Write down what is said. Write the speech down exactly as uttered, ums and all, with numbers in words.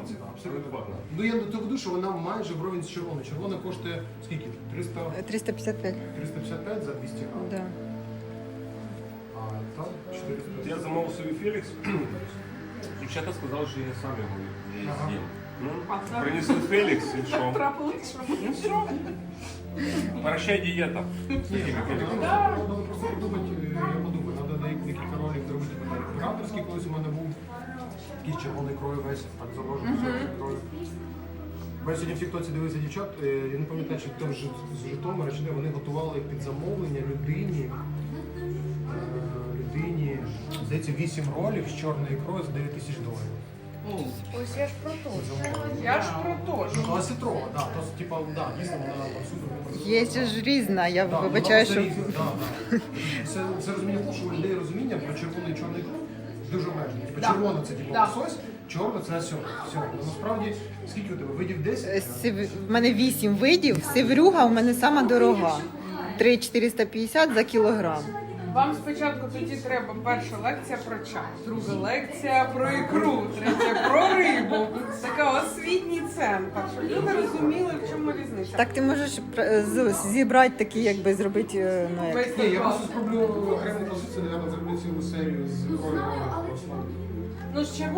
ціна, абсолютно. Ну я до того веду, що вона майже вровень з червоною. Червона коштує скільки? триста... триста п'ятдесят п'ять. триста п'ятдесят п'ять за двісті грам. Да. А там чотириста. Я замовив собі Фелікс. Дівчата сказали, що я сам його Ага. з'їм. Ну, принесли Фелікс і що? Трапилось, що? Прощай, дієта. Ні, треба просто подумати, я подумаю, треба декілька ролик зробити. Операторський колись у мене був такий червоний крой весь, так заложений червоний крой. Бо я сьогодні в тіктоці дивився дівчат, е, я не пам'ятаю, чи хто з Житомира, чи де вони готували під замовлення людині, е, людині, здається, вісім ролів з чорної ікрою за дев'ять тисяч доларів. Ось я ж про то. Я ж про то. Ну, але ситрова, да, то, типа, да, дійсно, вона супер. Є ж різна, я Да, вибачаю, вона що... різна, да, да. Це, це розуміння того, що у людей розуміння про червоний і чорний кров дуже обмежене. Типу, Да. червона це типу Да. лосось, чорна це осьо. Все. Ну, насправді, скільки у тебе? Видів десять? Сив... В мене вісім видів, сиврюга в мене сама дорога. три тисячі чотириста п'ятдесят за кілограм. Вам спочатку тоді треба перша лекція про чай, друга лекція про ікру, третя про рибу. Така освітній центр, щоб люди розуміли, в чому різниця. Так ти можеш пр- з- зібрати такі, якби зробити, е, ну як... Весь Ні, я клас. просто спроблю окрему позицію, наверное, зроблю цілу серію з кров'ю. Ну, з чим